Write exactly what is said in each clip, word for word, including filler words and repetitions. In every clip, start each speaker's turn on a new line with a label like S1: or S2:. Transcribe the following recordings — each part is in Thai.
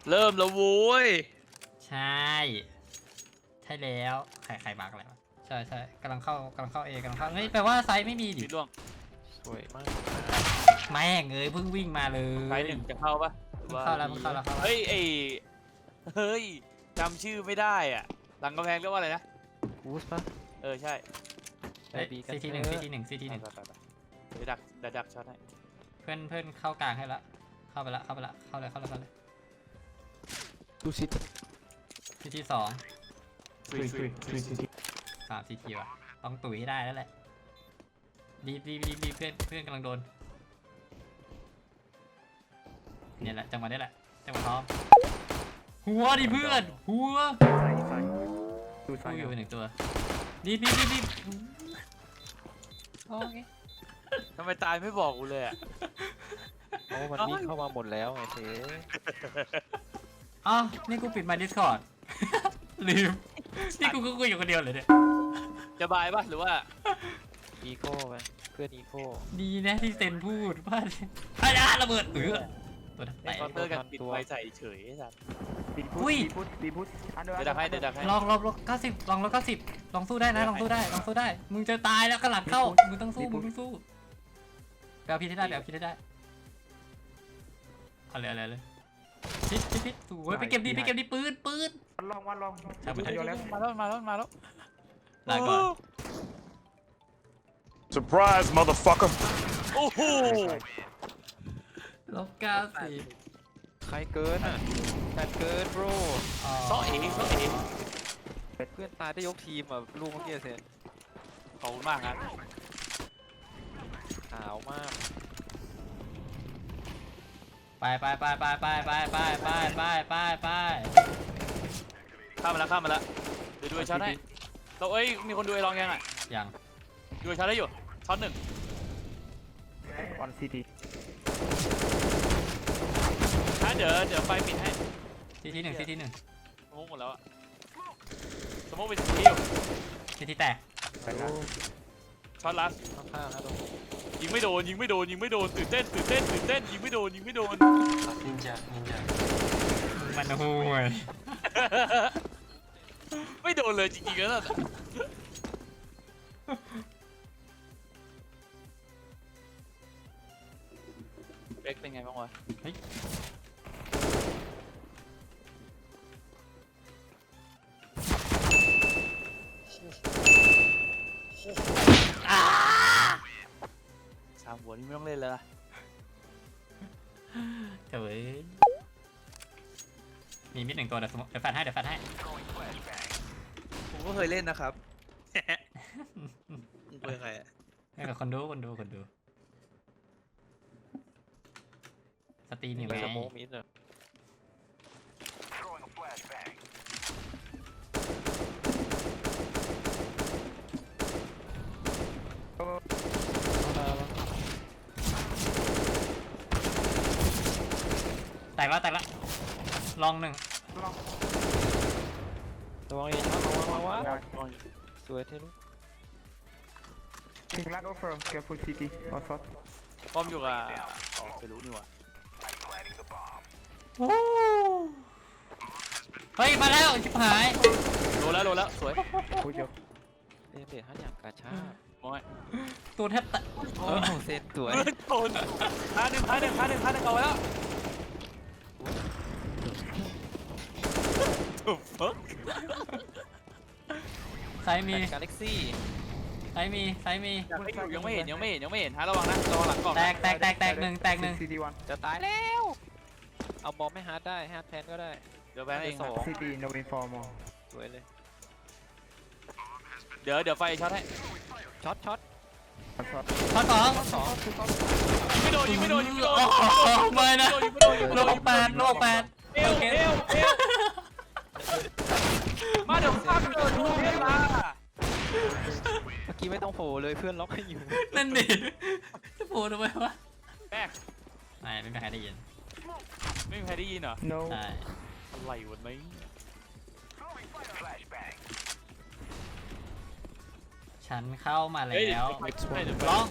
S1: เริ่มแล้วโว้ย
S2: ใช่ใช่แล้วใครใครบักอะไรวะใช่ใช่กำลังเข้ากำลังเข้าเอกำลังเข้าเฮ้ยแปลว่าไซส์ไม่มีดิ
S1: มีล่วง
S3: สวยมาก
S2: แม่งเอ้ยเพิ่งวิ่งมาเลย
S1: ไฟหนึ่งจะเข้าปะ
S2: เข้าแล้วเข้าแล้วเข้าแล้ว
S1: เฮ้ยไอเฮ้ยจำชื่อไม่ได้อ่ะหลังกำแพงเรียกว่าอะไรนะ
S3: กูสปะ
S1: เออใช่
S3: ไปบีกัน
S2: ซีทีหนึ่งซีทีหนึ่งซีทีห
S1: ไป
S2: นึ่ง
S1: ไปไปไปเดี๋ยวดักเดี๋ยวดักช็อตให้
S2: เพื่อนเพื่อนเข้ากลางให้ละเข้าไปละเข้าไปละเข้าเลยเข้าเลยเข้าเลย
S3: ดูซิ
S2: ซีทีสอง
S1: ซุยซุยซุยซุย
S2: สามซีทีว่ะต้องตุ๋ยให้ได้แล้วแหละรีบรีบรีบรีบเพื่อนเพื่อนกำลังโดนเนี่ยแหละจังหวะนี้แหละจังหวะพร้อมหัวดิเพื่อนหัว
S4: ใส่ใส่ดู
S2: กู
S4: ใส่
S2: อยู่หนึ่งตัวรีบรีบรีบรีบโอเค
S1: ทำไมตายไม่บอกกูเลยอ่ะ
S3: โอ้มันวิ่งเข้ามาหมดแล้วไงเซ่
S2: อ๋อนี่กูปิดมา Discord ลืมนี่กูก็คุยอยู่คนเดียวเลยเนี่ย
S1: จะบายปะหรือว่า
S3: อีโก้ไปเพื่อนอีโก้
S2: ดีนะที่เซนพูดว่าพายาระเบิดเออตัวนั้น
S1: เล่นเคาน์เตอร์กันปิดไฟใส่เฉยไอ้สัส
S4: บีพุ
S2: อุ้
S4: ท
S2: ย
S4: บีพุทบีพุทอันเดอร์
S1: เดี๋ยวดักให้เดี๋ยวดักให้
S2: ลองลองลองเก้าสิบลองลองเก้าสิบลองสู้ได้นะลองสู้ได้ลองสู้ได้มึงจะตายแล้วกระหลังเข้ามึงต้องสู้มึงต้องสู้แปลพิษให้ได้แปลพิษให้ได้เอาเลยเอาเลยเลยพิษพิษพิษสวยไปเก็บดีไปเก็บดีปืนปืน
S4: วันลองวันลอง
S2: ช่างมัน
S4: เดียวแล้ว
S1: มาแล้วมาแล้วมาแล้ว
S2: ลาก่อน
S5: Surprise, motherfucker!
S1: โอ้โห
S2: ลบเก้าสิบ
S3: ใครเกินอ่ะแต่เกินโบร
S1: ซอเอ๋ซอเอ๋
S3: เพื่อนตายได้ยกทีมอ่ะลูกเมื่อกี้เซ่
S1: ขอบคุณมากครับ
S3: ขาวมาก
S2: ไปไปไปไปไปไปไปไปไปไปไป
S1: ข้ามมาแล้วข้ามมาแล้วเดี๋ยวดูไอ้ช็อตให้เราเอ้ยมีคนดูไอ้ลองยังอ่ะ
S2: ยัง
S1: ดูไอ้ช็อตได้อยู่ช็อตหนึ่ง
S4: ออนซีที
S1: อ่ะเดี๋ยวเดี๋ยวไฟปิดให้
S2: ทีทีหนึ่งทีทีหนึ่ง
S1: สมมติหมดแล้วอ่ะสมมติเป็นสีอยู่
S2: ทีทีแตก
S4: ใส่แล้ว
S1: ช็อตลัส
S3: ข้างๆนะตรง
S1: ยิงไม่โดนยิงไม่โดนยิงไม่โดนตื่นเต้นตื่นเต้นตื่นเต้นยิงไม่โดนยิงไม่โดน
S2: นินจานินจามันห่วย
S1: ไม่โดนเลยจริงๆแล้วน่ะเอ็กเป็นไงบ้างวะ
S2: อ้า
S1: สามหัวนี่ไม่ต้องเล่นแล้วนะ
S2: เจ๋ยมีมิดหนึ่งตัวเดี๋ยวสมมุติเดี๋ยวแฟนให้เดี๋ยวแฟนให้
S6: ผมก็เคยเล่นนะครับ มึงเป็นใครอ่ะ
S2: ให้กับคนดูคนดูคนดูสตรีมอยู่
S3: ไป
S2: ไง
S3: สโมกมิดอ่ะ
S2: แตกแล้วแตกแล้วลองหนึ่ง
S4: ลอง
S3: ระวังเองครับระวังระวัง
S4: ได้
S3: สวยเท่ลูก
S4: ถึงลัดโอเฟอร์เกียร์ฟูลซีทีออซอส
S1: ป้อมอยู่กับอ๋อไม่รู้นี่หว่า
S2: เฮ้ยมาแล้วชิบหาย
S1: โดนแล้วโดนแล้วสวย
S4: โอ้ยเดี๋ยว
S3: เล่นเด็ดฮัทอย่างกาชา
S1: มอย
S2: ตัวแทบแตะ
S3: โอ้เซนสวย
S1: เฮ้ยโดนพาหนึ่งพาหนึ่งพาหนึ่งพาหนึ่งเอาไว้แล้วถูกฟัก
S2: ไซส์มี
S3: กาแล็กซี่
S2: ไซส์มีไซส์มี
S1: ยังไม่อยู่ยังไม่เห็นยังไม่เห็นยังไม่เห็นฮะระวังนะระวังหลังกล่อง
S2: แตกแตกแตกแตกหนึ่งแตกหนึ่ง
S4: ซีทีวัน
S3: จะตายแล้ว เอาบอมไม่ฮาร์ดได้ฮาร์ดแพนก็ได้
S1: เดี๋ยวแบงค์เอง
S3: สอง
S4: ซีทีโนวินฟอร์มอล
S3: สวยเลย
S1: เดี๋ยวเดี๋ยวไฟช็อตให้
S3: ช็อตช็อต
S4: ออซอส
S2: ข้อสอง
S3: สอง
S1: ยิงไม่โดนยิงไม่โดนยิงไม่โดน
S2: โอ้โหไม่นะ
S1: ยิงไม่โดนยิงไม่
S2: โล
S1: โดน
S2: กแปดโลกแปด
S1: เอวเอวเอวมาเดี๋ยวฟังเกิดดูเวลา
S3: เมื่อกี้ไม่ต้องโผล่เลยเพื่อนล็อกให้อยู่
S2: นั่นดิจะโผล่ทำไมวะ
S1: แบก
S2: ไม่ไม่มีใครได้ยิน
S1: ไม่มีใครได้ยินเหรอ
S4: โน
S2: ใช่
S1: อะไรวะเนี่ย
S2: ฉันเข้ามาแล้
S1: เฮ้ยว เดี๋ยว
S2: ร้อง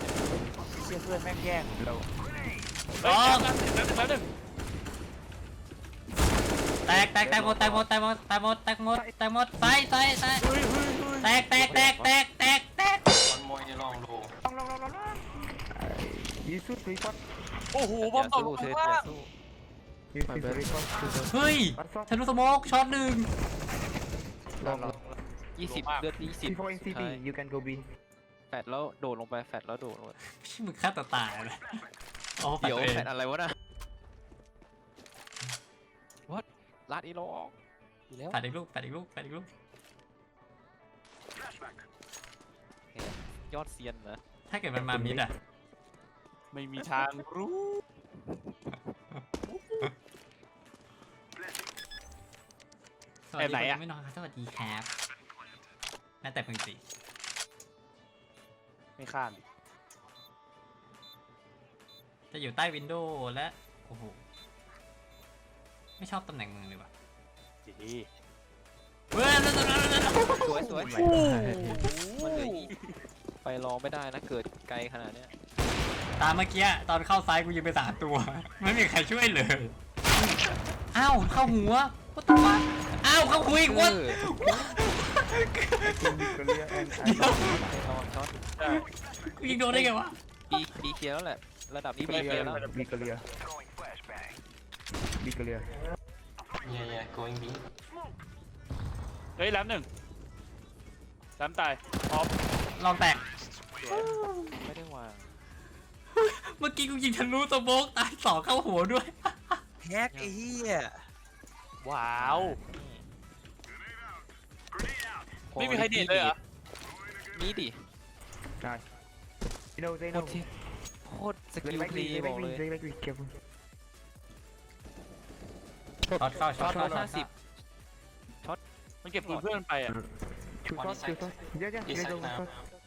S1: เชื่อเพื่อนแม่งแย่ง
S4: เรา
S1: เฮ้ยแป๊บนึงแป๊บนึงแป๊บนึง
S2: แตกแตกแตกหมดแตกหมดแตกหมดแตกหมดแตกหมดแตกหมดใส่ใส่ใส่แตกแตกแตกแตกแตกแตก
S5: One more in long low.
S4: Long, long, long, long, long. You shoot three pot.
S1: โอ้โหบ
S3: อ
S1: อม
S3: ย่า
S1: ตก
S3: สู้
S1: ลง
S3: เซต
S1: มา
S3: อย่าสู้
S4: You shoot three pot.
S2: เฮ้ย
S4: One shot.
S2: ทะลุสโมกช็อตหนึ่ง
S3: ลองลองยี่สิบเลือดยี่สิบ
S4: Before in
S3: สุด
S4: C
S3: ท้าย
S4: T, you can go B.
S3: แฟดแล้วโดดลงไปแฟดแล้วโดดลงไป
S2: พี่มึงฆ่าตัวตายเลยโอ้แฟด
S3: เดี๋ยว
S2: ตัวเอง
S3: แฟดอะไรวะน่ะ What ลาดอีโลออกอยู่แล้ว
S2: แฟดอีกลูกแฟดอีกลูกแฟดอีกลูก
S3: ยอดเซียนนะ
S2: ถ้าเกิดมันมามิดอ่ะ
S1: ไม่มีทางรู้
S2: สวัสดีคนไม่นอนครับสวัสดีครับแม้แต่เพิ่งสิ
S1: ไม่ข้ามดิ
S2: จะอยู่ใต้วินโดว์และโอ้โหไม่ชอบตำแหน่งมึงเลยว่ะ
S1: ดี
S2: เว้ย
S3: สวยสวย
S4: Oh my
S3: มันเหลืออีกไปรองไม่ได้นะเกิดไกลขนาดเนี้ย
S2: ตามเมื่อกี้ตอนเข้าซ้ายกูยิงไปสามตัว ไม่มีใครช่วยเลยอ้าวเข้าหัวก็ตายอ้าวเข้าหัวอีกวะ
S3: เออ
S4: clear and
S2: เดี๋ยว
S3: ไปรองช็อต
S2: กูยิงโดนได้ไงวะ
S3: บีบีเคลียร์แล้วแหละระดับนี้บีเคลียร์แล้ว
S4: Be clear. Be clear.
S5: Yeah, yeah, going B.
S1: เฮ้ยแหลมหนึ่งแหลมตายพร้อม
S2: ลองแตก
S3: ไม่ได้วาง
S2: เมื่อกี้กูยิงทะลุสโมกตายสองเข้าหัวด้วย
S6: แฮกไอ้เหี้ย
S1: ว้าว
S3: พอ
S1: ไม่มีใครเด็ดเลยเหรอ
S3: มีดิ
S4: Nice. You know, they
S3: โค
S4: know.
S3: ตรที่โคตรส
S4: They
S3: กิล
S4: like
S3: พลี
S4: me, they
S3: บอก
S4: like
S3: เล
S4: me,
S3: ย
S4: they like me. Careful.
S2: ช็อตเข้าช็
S3: ช็
S2: อ
S3: อ
S2: ต
S3: ต
S2: เข้า
S3: ร้อยห้าสิบ
S1: มันเก็บปืนเพื่อนมันไปอ่ะ
S4: Two
S5: One
S4: shots, two
S5: inside.
S4: shots. Yeah, yeah,
S5: Inside
S4: they go one
S5: now.
S4: shot.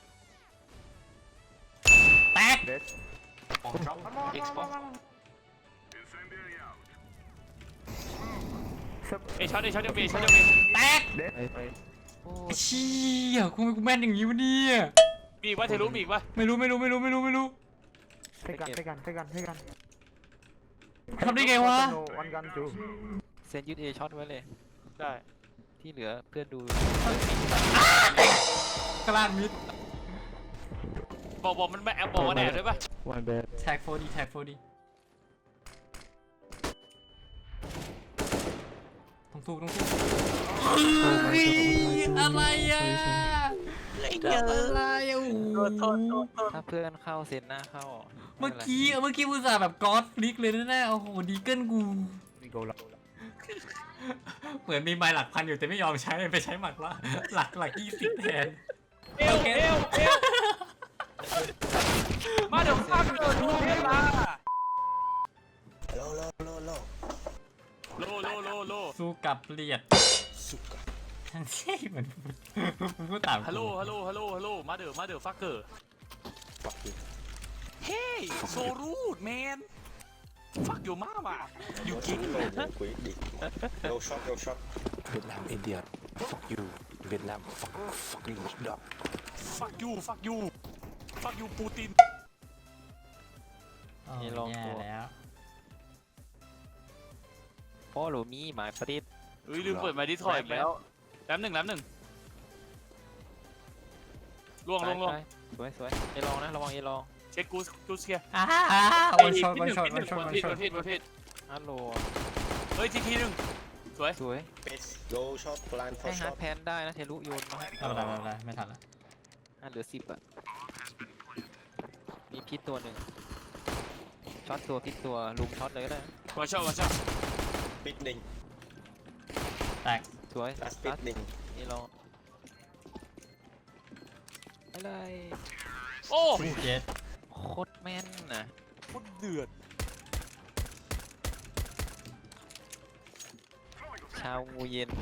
S2: แตก
S4: Dead.
S5: Bomb drop. Xbox.
S4: Sub.
S1: เอยช็อตเอยช็อตเดียวเอยช็อตเดียวเอย
S2: แตก
S4: Dead.
S3: โอ้
S2: ไอ้เชี่ยกูกูแม่นอย่างนี้วะเนี่ย
S1: มีอีกว่าเทลุมีอีกว่า
S2: ไม่รู้ไม่รู้ไม่รู้ไม่รู้ไม่รู้
S4: Take gun, take gun, take gun, take gun.
S2: ทำได้ไงวะ
S4: No, one gun too.
S3: เซนยึดเอช็อตไว้เลย
S1: ได้
S3: ที่เหลือเพื่อนดู
S2: กลางมิด
S1: บอกบอกมันไม่แอบบอกว่าแอบด้วยป่ะ
S4: One bad.
S2: แท็กโฟดีแท็กโฟดีต้องถูกต้องถูกเฮ้ยอะไรอ่ะอะไรอ่ะโอ้โห
S3: ถ้าเพื่อนเข้าเซนหน้าเข้า
S2: เมื่อกี้เมื่อกี้อุตส่าห์แบบกอดฟลิกเลยนะเนี่ยโอ้โหดีเกิลกู
S4: We go low.
S2: เหมือนมีใบหลักพันอยู่แต่ไม่ยอมใช้ไปใช้หมักละหลักหลักยี่สิบแทน
S1: เอวเอวเอวมาเดี๋ยวข้ามเดินดูเวลาโลโลโลโลโลโลโลโล
S2: สู้กับเลียดทั้งที่เหมือนพูดตาม
S1: ฮัลโหลฮัลโหลฮัลโหลฮัลโหลมาเดี๋ยวมาเดี๋ยวฟักเกอร์เฮ้ยโซรูดแมนฟักอยู่มากว่ะอยู่กิ๊ก
S7: No shot, no shot. Vietnam idiot. Fuck you. Vietnam fuck fucking dog.
S1: ฟักยูฟักยูฟักยูปูติน
S2: โอ้ยแย่แล้ว
S3: พ่อหลูมีหมายประดิษฐ์
S1: เฮ้ยลืมเปิดมาดิสคอยอีกแล้วแป๊บหนึ่งแป๊บหนึ่งล่วงลงลง
S3: สวยสวยเอลองนะระวังเอลอง
S1: เช็คกูกูเชียร์
S2: อ้าวันช็อตวันช็อตวันช็อต
S1: วัน
S2: วัน
S1: ผิด
S2: ช็อ
S1: วั
S2: ต
S1: นผิดวันผิด
S3: ฮัลโหล
S1: เฮ้ยทีทีหนึ่งสวย
S3: สวย
S7: Bitch. Go shot, blind
S3: ให้
S7: for
S3: ฮาร์ด
S7: shot.
S3: แพนได้นะเทลุโยนมาให้
S2: ไม่เป็นไรไม่เป็นไรไม่ทันละ
S3: อ่ะเหลือสิบอ่ะมีพิษตัวหนึ่งช็อตตัวพิษตัวลุมช็อตเลยก็ได้นะ
S1: วันช็อตวันช็อต
S7: Pitning.
S2: แตก
S3: สวย
S7: That's
S3: ตัด
S7: pitning.
S3: เอลองอะไร
S1: โอ้
S2: เจ็ด
S3: โคตรแม่นนะ
S1: โคตรเดือด
S3: ชาวงูเย็น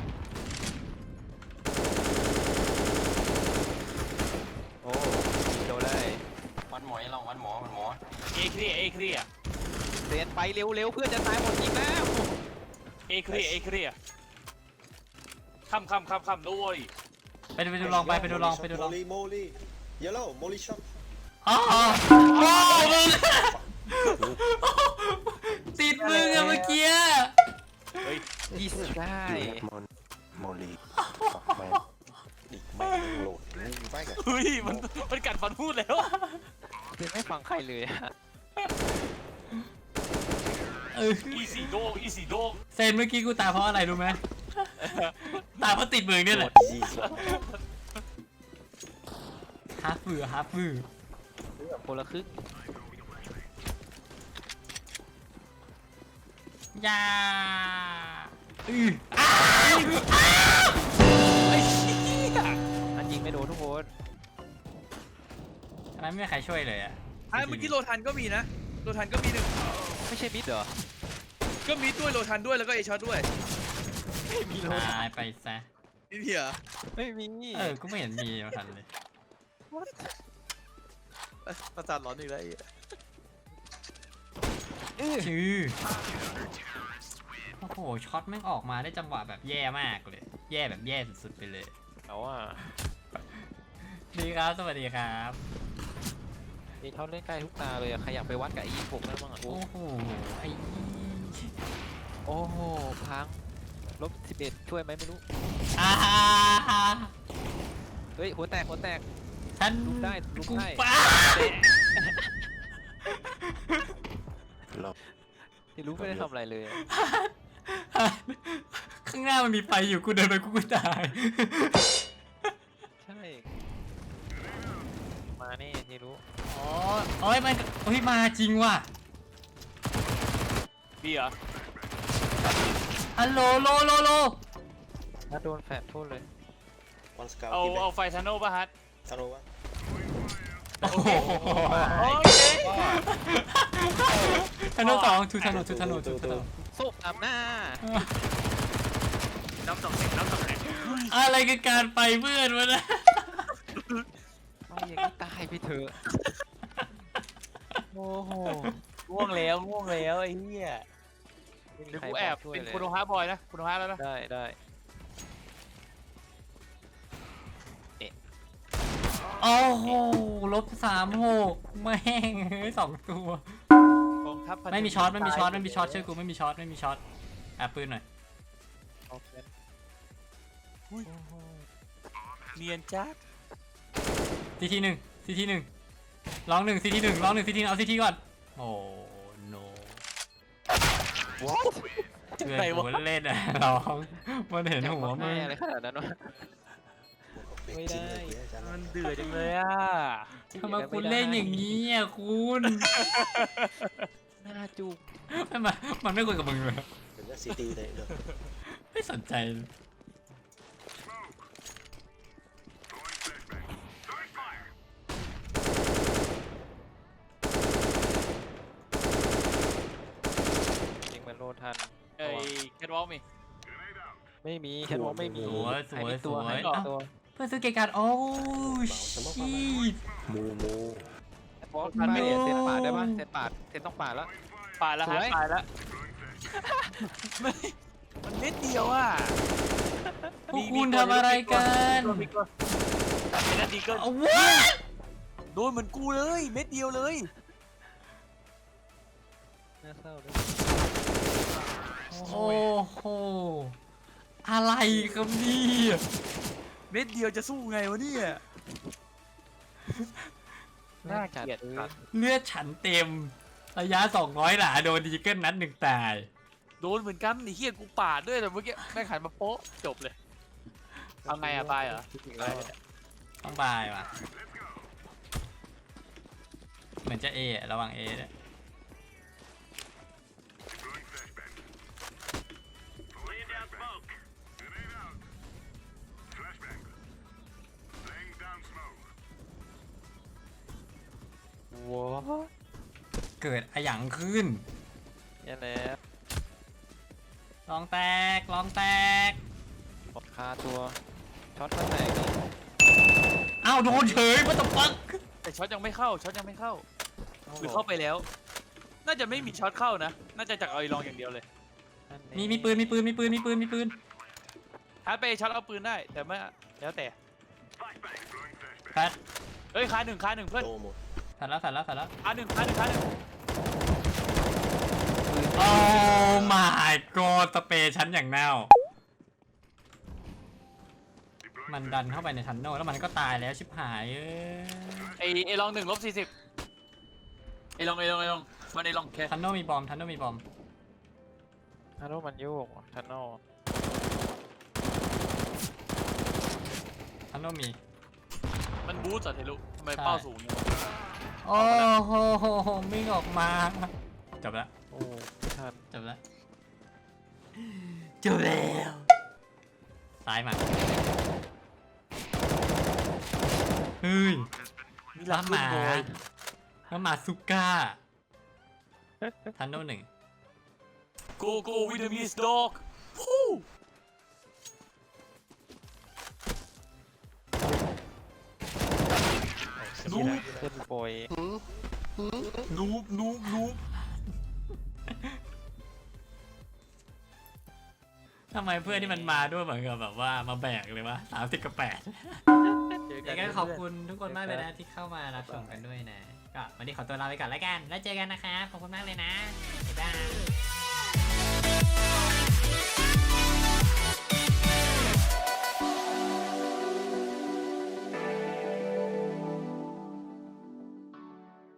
S3: โอ้โดนได้
S5: One more in long, one more, one more.
S1: เอเคลียเอเคลีย
S3: เดินไปเร็วๆเพื่อนจะตายหมดอีกแล้ว
S1: เอเคลียเอเคลียคำคำคำคำด้วย
S2: ไปดูไปดูลองไปไปดูลองไปดูลอง
S7: Molly, Molly. Yellow, Molly shot.
S2: อ๋อโอ้มึงติดมึงอะเมื่อกี้
S1: เฮ้ย
S3: ยี่สิบได้
S7: You have mon Molly fuck man ดิแม่งโหลดมึงไปกับ
S1: เฮ้ยมันมันกัดฟันพูดแล้ว
S3: คือไม่ฟังใครเลยอะ
S2: เออ
S1: อีสีโดอีสีโด
S2: เซนเมื่อกี้กูตายเพราะอะไรรู้ไหม ตายเพราะติดมือเนี่ยแหละ
S7: ยี่สิบ
S2: ฮาร์ฟมือฮาร์ฟมือ
S3: คนละครึ่ง
S2: ยาอืออ้าวอ้าว
S1: ไอ้เหี้ย
S3: อันยิงไม่โดนทุกคน
S2: อันนั้นไม่มีใครช่วยเลยอ่ะ
S6: อ่ะเมื่อกี้โลทันก็มีนะโลทันก็มีหนึ่ง
S3: ไม่ใช่มิดเหรอ
S6: ก็มีด้วยโลทันด้วยแล้วก็เอช็อตด้วย
S3: ไม่มีโล
S2: ตายไปซะ
S6: นี่เพีย
S3: ไม่มี
S2: เออ กูไม่เห็นมีมาทันเลย
S6: ประสาทร้อนอีกแล้วไอ้
S2: ชื่อ โอ้โห ช็อตแม่งออกมาได้จังหวะแบบแย่มากเลย แย่แบบแย่สุดๆไปเลย
S3: เอาอ่ะ
S2: ดีครับ สวัสดีครับ
S3: นี่เขาเล่นใกล้ทุกตาเลยอะใครอยากไปวัดกับไอ้ยี่หกได้บ้างอะ
S2: โอ้โห ไอ้
S3: โอ้โหพังลบสิบเอ็ดช่วยไหมไม่รู้
S2: อา
S3: เฮ้ยหัวแตกหัวแตก
S2: ฉัน
S3: ลุกได้ลุก
S2: กู
S3: ได้
S2: ป้า
S7: รอบ
S3: ที่รู้ไม่ได้ทำอะไรเลยอะ
S2: ข้างหน้ามันมีไฟอยู่ กูเดินไปกูก็ตาย
S3: ใช่มานี่ที่รู้
S2: อ๋อเอ้ยมันเฮ้ย มาจริงว่ะ
S1: บีเหรอ
S2: ฮัลโหลโลโลโล
S3: ถ้าโดนแฟดโทษเลย
S7: วันสกาว
S1: เอา
S7: ที่แบ
S1: เอา
S7: ง
S1: ไฟทันโนป่ะฮัท
S7: ทาโร่วะ
S2: โอ้โห
S1: โอเค
S2: ทันโนสองทูทันโนทูทันโนทูทันโน
S3: สุกอับหน้า
S1: น้ำสองแข็งน้ำสองแข็ง
S2: อะไรคือการไปเพื่อนวะนะ
S3: เอาอย่างนี้ตายไปเถอะโอ้โห
S1: ง่วงแล้วง่วงแล้วไอ้เหี้ย
S3: ไม่มี
S1: เดี๋ยว
S3: ใคร
S1: กูแอบ
S3: ช่วย
S1: เป็น
S3: เลย
S1: คุณโอฮาบอยนะคุณโอฮาแล้วนะ
S3: ได้ได้
S2: โอ้โหลบสามหกแม่งเฮ้ยสองตัว
S1: กองทัพพันธ
S2: ไม่มีช็อตไม่มีช็อตไม่มีช็อตเชื่อกูไม่มีช็อตไม่มีช็อตแอบปืนหน่อย
S3: โอเค
S1: เนียนจัด
S2: ซีทีหนึ่งซีทีหนึ่งร้องหนึ่งซีทีหนึ่งร้องหนึ่งซีทีเอาซีทีก่อนโอ้โนเพื่อนกูเล่นอะร้องมันเห็นหัวมึง
S3: อะไรขนาดนั้นวะ ไม่ได้
S1: มันเดือดจังเลยอ่ะ
S2: ทำไมคุณเล่นอย่างนี้อ่ะคุณ
S3: หน้าจุก
S2: ไม่มามันไม่คุยกับมึงเลย
S7: เป็นว่าซิตี้เลยเด้อ
S2: ไม่สนใจเลย
S3: ยิงเหมือนโลทัน
S1: ไอ้แคทวอล์กมี
S3: ไม่มีฉันว่าไม่มี
S2: สวยสวยสวย
S3: ให้
S2: เอ้า
S3: ตัว
S2: เพื่อนซื้อเกการ์ดโอ้ชีต
S7: มูมู
S3: บอสไม่เซตปาดได้ปะเซตปาดเซตต้องปาดแล้ว
S1: ป่าดแล้วฮะ
S3: สวย
S1: ป่าดแล้วไม่มันเม็ดเดียวอ่ะ
S2: พวกคุณทำอะไรกัน
S1: มีตัวเป็นนาทีก็
S2: เอาว้า
S1: โดนเหมือนกูเลยเม็ดเดียวเลย
S3: น่าเศร้าเลย
S2: โอ้โหอะไรครับเนี่ย
S1: เม็ดเดียวจะสู้ไงวะเนี่ย น่าเกลียด
S3: จั
S1: สัตว์
S2: เลือดฉันเต็ม ระยะสองร้อยหลาโดนดีเกิลนัดหนึ่งตาย
S1: โดนเหมือนกันไอ้เหี้ยกูปาดด้วยแต่เมื่อกี้แม่งหันมาโป๊ะจบเลยเอาไงอะบายเหรอ
S3: อีกแล้วเนี่ย
S2: ต้องบายว่ะ เหมือนจะเออะระวังเอด้วย
S3: ว้า
S2: เกิดอะหยังขึ้น
S3: เนี่ยแหละ
S2: ลองแตก ลองแตก
S3: หมดคาตัวช็อตก็แตกนี่
S2: อ้าวโดนเฉยwhat the fuck
S1: แต่ช็อตยังไม่เข้าช็อตยังไม่เข้าหรือเข้าไปแล้ว น่าจะไม่มีช็อตเข้านะ น่าจะจากเอาไอลองอย่างเดียวเลย
S2: มีมีปืนมีปืนมีปืนมีปืนมีปืน
S1: ฮาร์ดไปช็อตเอาปืนได้แต่ไม่แล้วแต่
S2: แฟด
S1: เอ้ยคาหนึ่งคาหนึ่งเพื่อน
S7: โตหมด
S2: แฟดแล้วแฟดแล้วแฟดแล้ว
S1: คาหนึ่งคาหนึ่งคาหนึ่ง
S2: โอ้ my god สเปรย์ชั้นอย่างเน่ามันดันเข้าไปในทันโนแล้วมันก็ตายแล้วชิบหายเอ้ย
S1: ไอไอลองหนึ่งลบสี่สิบไอลองไอลองไอลองมันไอลองแค่
S2: ทันโนมีบอมทันโนมีบอม
S3: ฮัลโหลมันโยกทันโน
S2: ทันโนมี
S1: มันบูสต์อะเทลุทำไม
S2: ใช่
S1: เป้าสูงเนี่ย
S2: โอ้โหมิ่งออกมาจบแล้ว
S3: โอ้ไม่ทัน
S2: จบแล้วจบแล้วซ้ายมาเฮ้ยล้าหมาล้าหมาซุก้าทันโนหนึ่ง
S1: โกโก้วิตามินสด็อกฮู้
S3: นูบขึ้นโปรย
S1: นูบนูบนูบ
S2: ทำไมเพื่อนที่มันมาด้วยเหมือนกับแบบว่ามาแบกเลยวะสามสิบกับแปดยังไงขอบคุณทุกคนมากเลยนะที่เข้ามารับชมกันด้วยนะก็วันนี้ขอตัวลาไปก่อนแล้วกันแล้วเจอกันนะครับขอบคุณมากเลยนะบ๊ายบาย